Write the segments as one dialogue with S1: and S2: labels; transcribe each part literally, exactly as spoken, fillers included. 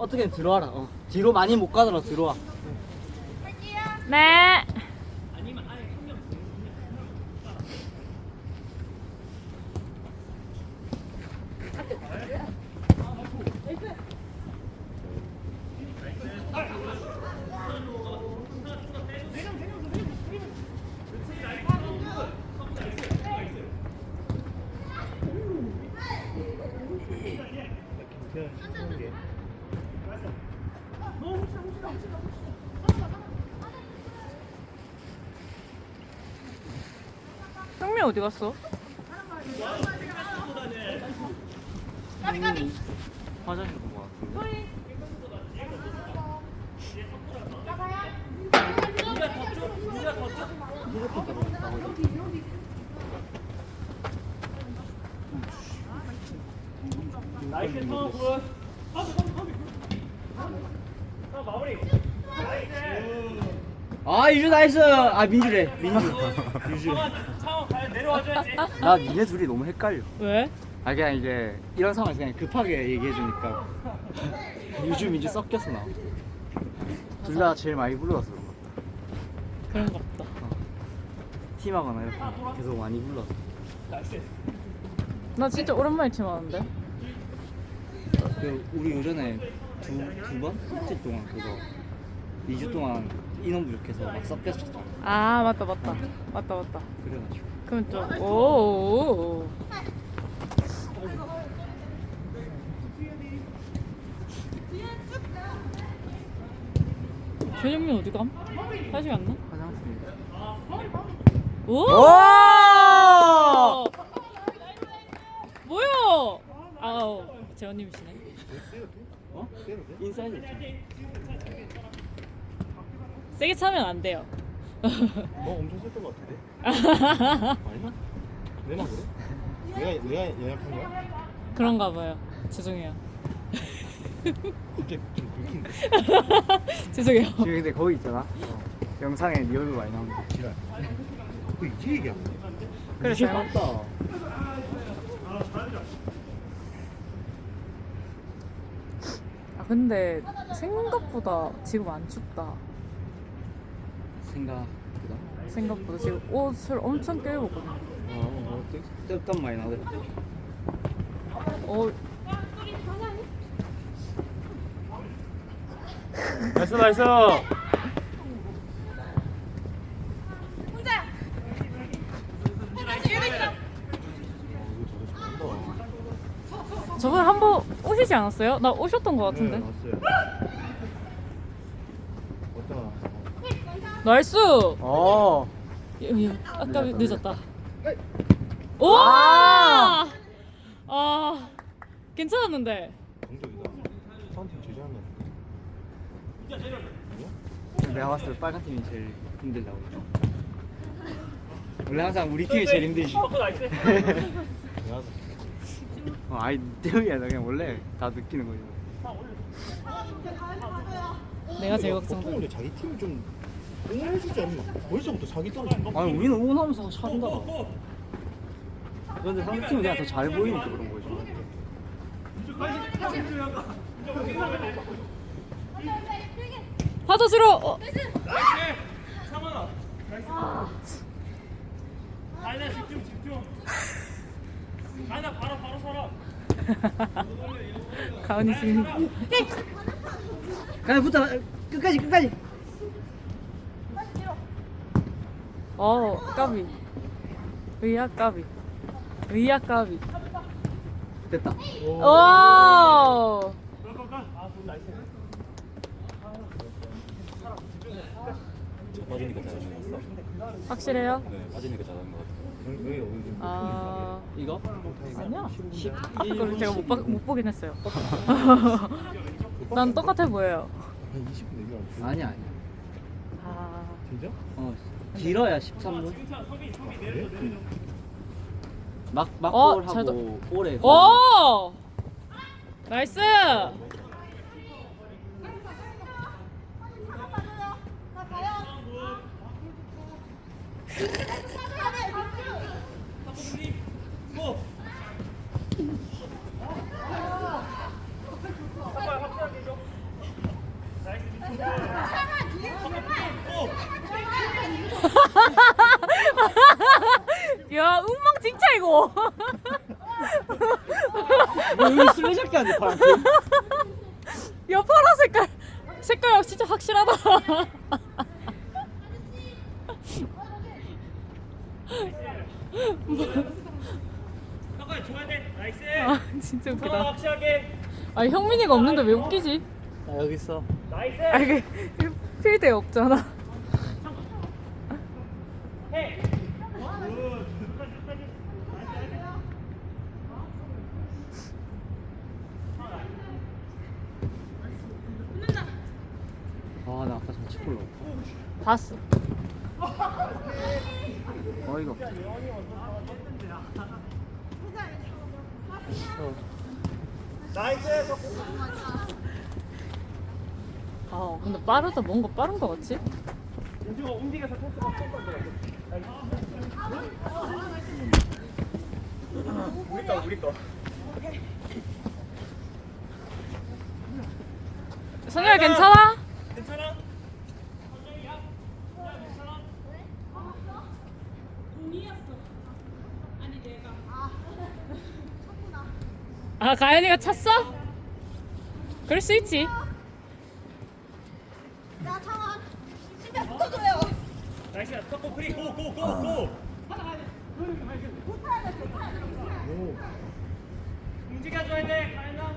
S1: 어떻게든 들어와라. 어. 뒤로 많이 못 가더라도 들어와.
S2: 네. 형민 어디 갔어?
S1: 음, 화장실 본 거 같은데.
S3: 나이스 턴 굿. 마무리.
S1: 아 유주 나이스. 아 민주래. 민주. 유주.
S3: 상황 과연 내려와줘야지.
S1: 나 니네 둘이 너무 헷갈려.
S2: 왜?
S1: 아 그냥 이제 이런 상황에서 그냥 급하게 얘기해 주니까 유주 민주 섞여서 나와. 둘 다 제일 많이 불러서 그런 것 같다.
S2: 그런 거 없다.
S1: 팀하거나 이렇게 계속 많이 불러서.
S2: 나 진짜 오랜만에 팀하는데.
S1: 그 우리 요전에 두 두 번 이틀 동안 그거 이 주 동안 인원 부족해서 막 섞였었잖아.
S2: 아 맞다 맞다 맞다 맞다.
S1: 그래가지고.
S2: 그럼 좀 오. 최정민 어디 감? 다시 갔나?
S1: 화장실.
S2: 오!
S1: 오!
S2: 뭐야? 아우 재원님이시네.
S1: 어? 인사이드 있잖아.
S2: 세게 차면 안 돼요.
S4: 뭐 엄청 쓸것 같은데? 아니야? 내나 그래? 내가 내가 예약한 거야?
S2: 그런가 봐요. 죄송해요.
S4: 갑자기 좀 긁힌데.
S2: 죄송해요.
S1: 지금 근데 거기 있잖아. 어. 영상에 네 얼굴 많이 나오는데.
S4: 지랄. 그 이제 얘기하는 거야?
S2: 그래
S1: 이제
S2: 잘못.
S1: 봤다.
S2: 아 근데 생각보다 지금 안 춥다.
S1: 생각보다.
S2: 생각보다 지금 옷을 엄청 껴입었거든.
S1: 어, 어, 땀 많이 나더라.
S2: 어,
S3: 나이스 나이스.
S2: 저번에 한 번 오시지 않았어요? 나 오셨던 것 같은데.
S4: 네, 왔어요. 어떠나?
S2: 나이스.
S1: 어.
S2: 예, 예, 아까
S1: 늦었다,
S2: 늦었다. 오! 아, 아, 괜찮았는데.
S4: 공격이다. 파운틴 제재한 거.
S1: 내가 봤을 때 빨간 팀이 제일 힘들다고. 원래 항상 우리 팀이 제일 힘들지.
S3: 어, 나이스.
S4: 내가
S1: 어, 아이 때문이 아니라 그냥 원래 다 느끼는 거죠.
S2: 내가 제일
S4: 보통
S2: 걱정돼.
S4: 근데 자기 팀이 좀 응원해주지 않나? 벌써부터 사기 떨어진 거.
S1: 아니 우리는 응원하면서 차린다. 그런데 상대 팀은 그냥 더 잘 보이니까 그런 거죠.
S2: 받아주러. 어.
S3: 상원아. 나이스. 아니야 집중 집중. 아니야 바로 바로 서라.
S2: 가은이 지금.
S1: 그냥 붙어 끝까지 끝까지.
S2: 어, 까비. 의야 까비. 의야 까비.
S1: 됐다.
S2: 오.
S4: 빠지니까 잘하는 거 같어.
S2: 확실해요?
S4: 네, 빠지니까 잘하는 거 같아. 여기 여기
S2: 아,
S1: 이거?
S2: 아니야.
S1: 십
S2: 그걸 제가 못, 봐, 못 보긴 했어요. 난 똑같아 보여요.
S4: 한 이십 분 얘기하고.
S1: 아니야 아니야.
S2: 아,
S4: 진짜?
S1: 어 길어야 십삼 분.
S4: 그래?
S1: 막
S2: 어,
S1: 막골
S2: 잘
S1: 하고 오래.
S2: 오! 나이스! 차 이거.
S1: 뭐 여기 술래잡기 하는데 파란색?
S2: 야 파란 색깔 색깔 진짜 확실하다.
S3: 형까지 줘야 돼. 나이스.
S2: 아 진짜
S3: 더
S2: 웃기다.
S3: 확실하게.
S2: 아 형민이가 없는데 왜 웃기지?
S1: 아 여기 있어.
S3: 나이스.
S2: 아 이게 필드에 없잖아.
S3: 해.
S1: 아나 아까 저 치골로.
S2: 봤어.
S1: 어이가 없다. 어.
S3: 나이스.
S2: 아 근데 빠르다. 뭔가 빠른 거 같지?
S3: 윤주가 움직여서 패스가 될 건데. 우리 거 우리 거.
S2: 선율 괜찮아?
S3: 괜찮아?
S2: 아 가연이가 찼어? 그럴 수 있지.
S5: 야, 창아. 진짜 붙어줘요.
S3: 나이스. 턱고 프리 고고 고 고. 움직여줘야 돼. 가연아.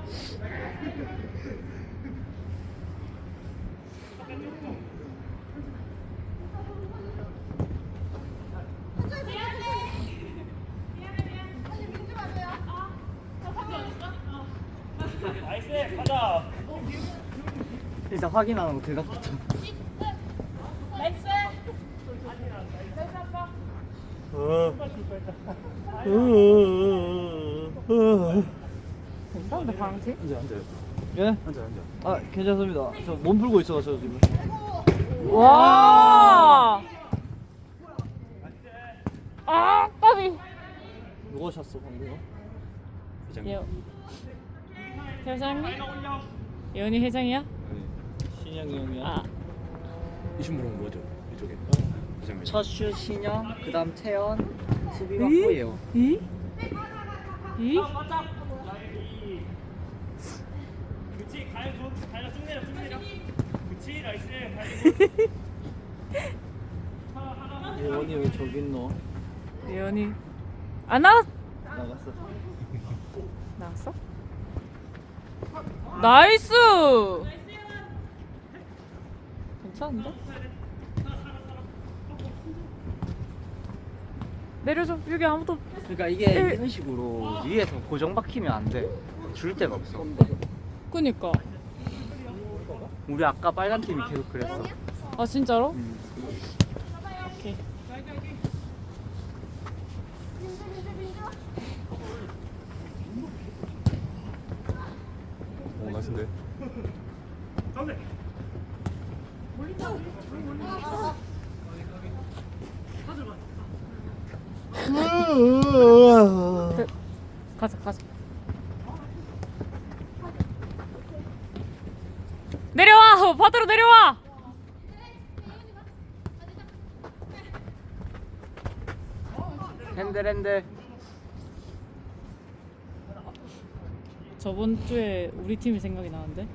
S3: 나이스. 가자.
S1: 일단 확인하는 거 대답부터.
S2: 괜찮은데 파란색?
S1: 앉아 앉아요.
S4: 예?
S1: 앉아 앉아.
S4: 아 괜찮습니다. 저 몸 풀고 있어가지고 지금.
S2: 와. 아 까비.
S4: 누가 찼어 방금?
S2: 예. 회장님? 예원이 회장이야?
S4: 신영이 형이야.
S2: 아
S6: 이 친구는 뭐죠? 이쪽에 부장님.
S1: 첫슛 신영, 그다음 태연, 수비가 호예요.
S2: 이? 이?
S3: 맞자. 그렇지. 가연 줘. 가연 쭉 내려 쭉 내려. 그렇지. 나이스. 가연.
S4: 예원이 왜 저기 있노?
S2: 예원이 안 나왔
S4: 나갔어.
S2: 나왔어? 나이스! 괜찮은데? 내려줘. 여기 아무도.
S1: 그러니까 이게
S2: 일-
S1: 이런 식으로 위에서 고정 박히면 안 돼. 줄 데가 없어.
S2: 그니까.
S1: 우리 아까 빨간 팀이 계속 그랬어.
S2: 아 진짜로?
S1: 음.
S2: 오케이.
S6: 어, 나이스인데.
S3: 가운데.
S2: 그, 가자 가자. 내려와. 어, 바다로 내려와.
S1: 핸들 핸들.
S2: 저번 주에 우리 팀이 생각이 나는데.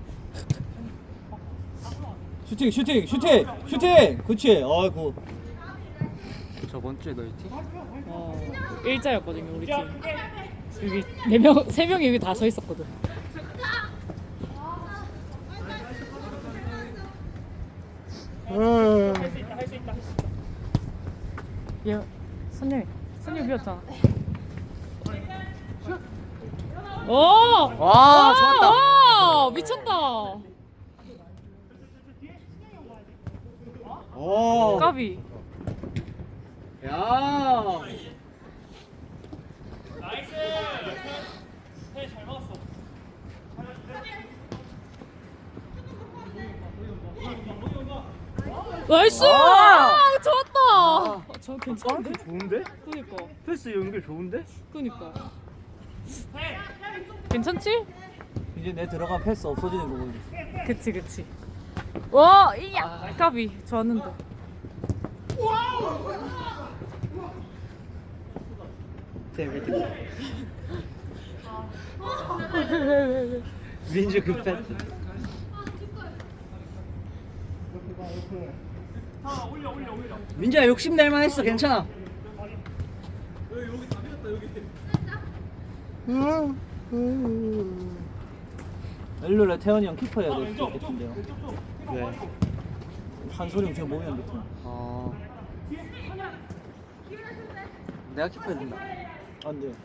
S4: 슈팅 슈팅 슈팅 슈팅. 그렇지. 아이고.
S1: 저번 주에 너희 팀?
S2: 어 일자였거든요 우리 팀. 여기 네 명, 세 명이 여기 다 서 있었거든.
S3: 할 수 있다. 할 수 있다.
S2: 얘 선율 선율 비었잖아. 오!
S1: 와, 좋았다.
S2: 와, 미쳤다.
S1: 오.
S2: 까비.
S1: 야.
S3: 나이스. 해, 잘 막았어.
S2: 나이스!
S1: 아!
S2: 아, 좋았다.
S1: 아.
S2: 어, 저 괜찮은데?
S1: 좋은데?
S2: 그니까,
S1: 패스 연결 좋은데?
S2: 그니까. 괜찮지?
S4: 이제 내 들어간 패스 없어지는 거 보니.
S2: 그치, 그치. 와, 이야, 까비. 좋았는데.
S1: 데뷔. 민주 급했. 민주야 욕심 낼 만했어. 괜찮아. 일요일에 태현이 형 키퍼 해야 될 수도 있겠는데요. 왜? 한소리 엄청 몸이 안 좋다. 아. 내가 키퍼 해야 된다. 안 돼.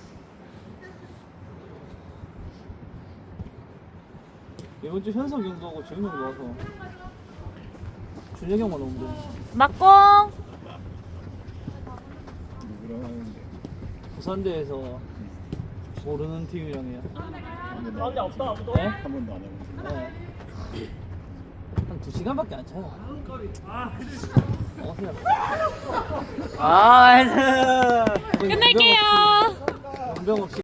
S1: 이번 주 현석 형도 하고 재민 형도 와서 준혁이 형만 오면 돼.
S2: 막공.
S4: 누구랑 하는데?
S1: 부산대에서 모르는 팀이랑 해요.
S3: 가운데 없다 아무도.
S1: 네?
S4: 한 번도 안 해봤는데.
S1: 네. 한 두 시간밖에 안 차요. 어서요. 아,
S2: 끝낼게요.
S1: 연병 없이.